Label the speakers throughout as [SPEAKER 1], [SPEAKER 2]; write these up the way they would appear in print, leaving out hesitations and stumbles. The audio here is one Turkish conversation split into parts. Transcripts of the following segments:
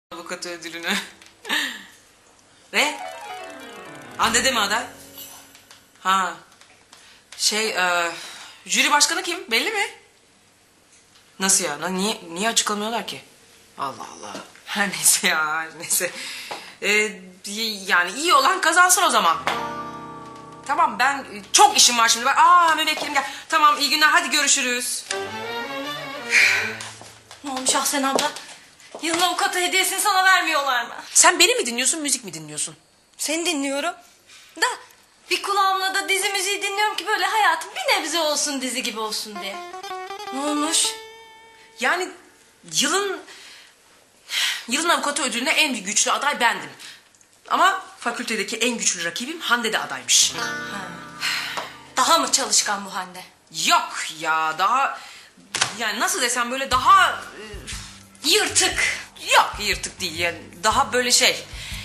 [SPEAKER 1] Avukat ödülünü. Ne? Hande mi aday? Ha. Jüri başkanı kim? Belli mi? Nasıl ya? Niye açıklamıyorlar ki? Allah Allah. Her neyse ya, neyse. Yani iyi olan kazansın o zaman. Tamam, ben çok işim var şimdi. Müvekkilim gel. Tamam, iyi günler, hadi görüşürüz.
[SPEAKER 2] Ne olmuş Ahsen abla? Yılın avukatı hediyesini sana vermiyorlar mı?
[SPEAKER 1] Sen beni mi dinliyorsun, müzik mi dinliyorsun?
[SPEAKER 2] Seni dinliyorum. Da bir kulağımla da dizi müziği dinliyorum ki böyle hayatım bir nebze olsun dizi gibi olsun diye. Ne olmuş?
[SPEAKER 1] Yani yılın avukatı ödülüne en güçlü aday bendim. Ama fakültedeki en güçlü rakibim Hande de adaymış.
[SPEAKER 2] Daha mı çalışkan bu Hande?
[SPEAKER 1] Yok ya, daha... Yani nasıl desem, böyle daha...
[SPEAKER 2] Yırtık.
[SPEAKER 1] Yok, yırtık değil yani, daha böyle şey...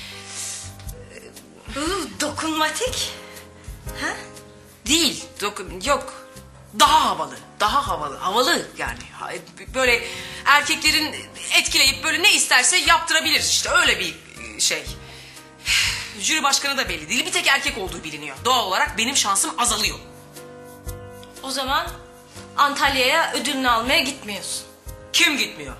[SPEAKER 2] Dokunmatik. Ha?
[SPEAKER 1] Değil, yok. Daha havalı yani. Böyle erkeklerin etkileyip böyle ne isterse yaptırabilir, işte öyle bir şey. Jüri başkanı da belli değil, bir tek erkek olduğu biliniyor. Doğal olarak benim şansım azalıyor.
[SPEAKER 2] O zaman Antalya'ya ödülünü almaya gitmiyorsun.
[SPEAKER 1] Kim gitmiyor?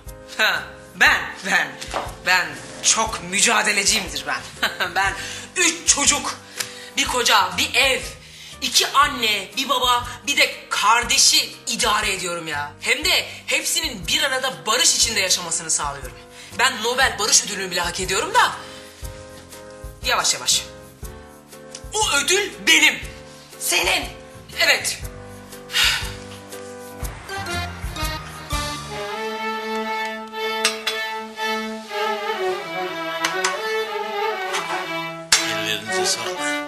[SPEAKER 1] Ben çok mücadeleciyimdir ben. Ben 3 çocuk, bir koca, bir ev, 2 anne, bir baba, bir de kardeşi idare ediyorum ya. Hem de hepsinin bir arada barış içinde yaşamasını sağlıyorum. Ben Nobel Barış Ödülünü bile hak ediyorum da... Yavaş yavaş. O ödül benim.
[SPEAKER 2] Senin.
[SPEAKER 1] Evet.
[SPEAKER 3] Ellerinize sağlık.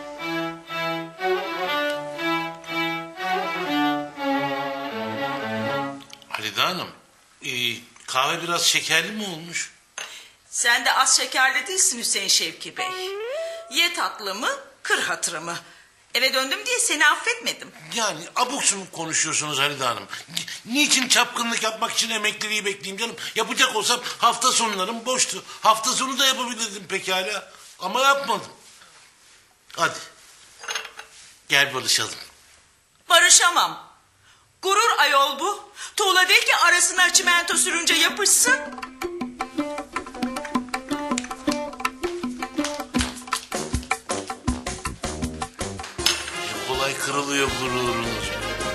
[SPEAKER 3] Halide Hanım, kahve biraz şekerli mi olmuş?
[SPEAKER 4] Sen de az şekerli değilsin Hüseyin Şevki Bey. Ye tatlımı, kır hatırımı. Eve döndüm diye seni affetmedim.
[SPEAKER 3] Yani abuk subuk konuşuyorsunuz Halide Hanım. Niçin çapkınlık yapmak için emekliliği bekleyeyim canım? Yapacak olsam hafta sonlarım boştu. Hafta sonu da yapabilirdim pekala. Ama yapmadım. Hadi. Gel barışalım.
[SPEAKER 4] Barışamam. Gurur ayol bu. Tuğla değil ki arasına çimento sürünce yapışsın.
[SPEAKER 3] Ne kolay kırılıyor gururunuz.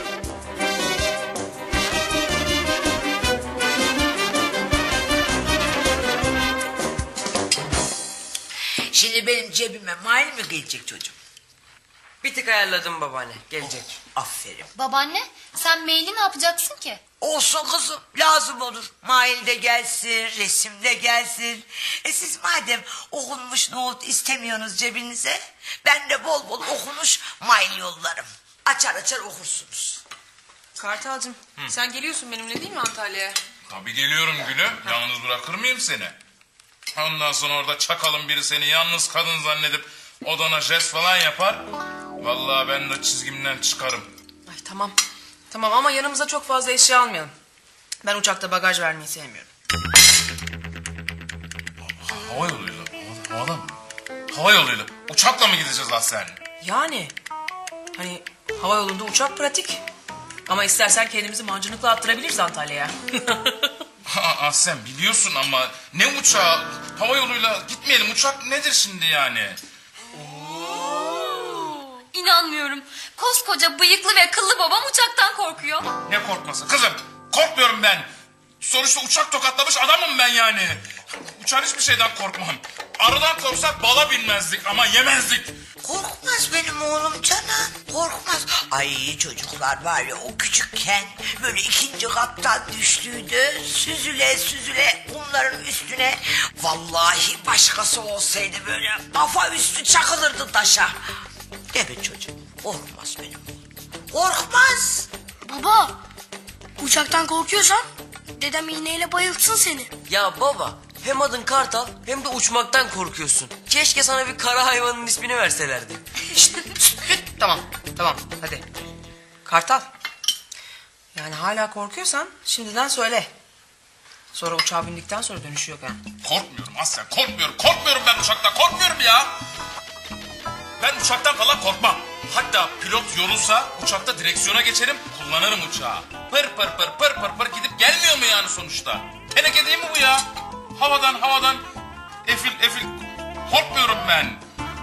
[SPEAKER 5] Şimdi benim cebime mail mi gelecek çocuğum?
[SPEAKER 1] Bir tık ayarladım babaanne, gelecek.
[SPEAKER 5] Aferin.
[SPEAKER 6] Babaanne sen maili ne yapacaksın ki?
[SPEAKER 5] Olsun kızım, lazım olur. Mail de gelsin, resim de gelsin. Siz madem okunmuş nohut istemiyorsunuz cebinize... ben de bol bol okunmuş mail yollarım. Açar açar okursunuz.
[SPEAKER 1] Kartalcığım, sen geliyorsun benimle değil mi Antalya'ya?
[SPEAKER 7] Tabii geliyorum Gülüm. Yalnız bırakır mıyım seni? Ondan sonra orada çakalın biri seni yalnız kadın zannedip odana jest falan yapar. Vallahi ben de çizgimden çıkarım.
[SPEAKER 1] Ay tamam. Tamam ama yanımıza çok fazla eşya almayalım. Ben uçakta bagaj vermeyi sevmiyorum.
[SPEAKER 7] Hava yoluyla. Havada mı? Hava yoluyla. Uçakla mı gideceğiz lan sen?
[SPEAKER 1] Yani hani hava yolunda uçak pratik. Ama istersen kendimizi mancınıkla attırabiliriz Antalya'ya.
[SPEAKER 7] Sen biliyorsun ama ne uçağı? Hava yoluyla gitmeyelim. Uçak nedir şimdi yani?
[SPEAKER 6] İnanmıyorum. Koskoca bıyıklı ve kıllı babam uçaktan korkuyor.
[SPEAKER 7] Ne korkması kızım? Korkmuyorum ben. Sonuçta uçak tokatlamış adamım ben yani. Uçan hiçbir şeyden korkmam. Arıdan korksak bala binmezdik ama yemezdik.
[SPEAKER 5] Korkmaz benim oğlum canım, korkmaz. Ay çocuklar var ya, o küçükken böyle 2. kattan düştüydü. Süzüle süzüle bunların üstüne. Vallahi başkası olsaydı böyle kafa üstü çakılırdı taşa. Evet çocuğum, korkmaz benim oğlum. Korkmaz.
[SPEAKER 8] Baba, uçaktan korkuyorsan dedem iğneyle bayıltsın seni.
[SPEAKER 9] Ya baba, hem adın Kartal hem de uçmaktan korkuyorsun. Keşke sana bir kara hayvanın ismini verselerdi.
[SPEAKER 1] Tamam hadi. Kartal. Yani hala korkuyorsan şimdiden söyle. Sonra uçağa bindikten sonra dönüşü yok ha.
[SPEAKER 7] Korkmuyorum Asya, korkmuyorum. Korkmuyorum ben uçaktan, korkmuyorum ya. Ben uçaktan falan korkmam. Hatta pilot yorulsa uçakta direksiyona geçerim, kullanırım uçağı. Pır pır pır pır pır pır gidip gelmiyor mu yani sonuçta? Teneke değil mi bu ya? Havadan efil. Korkmuyorum ben.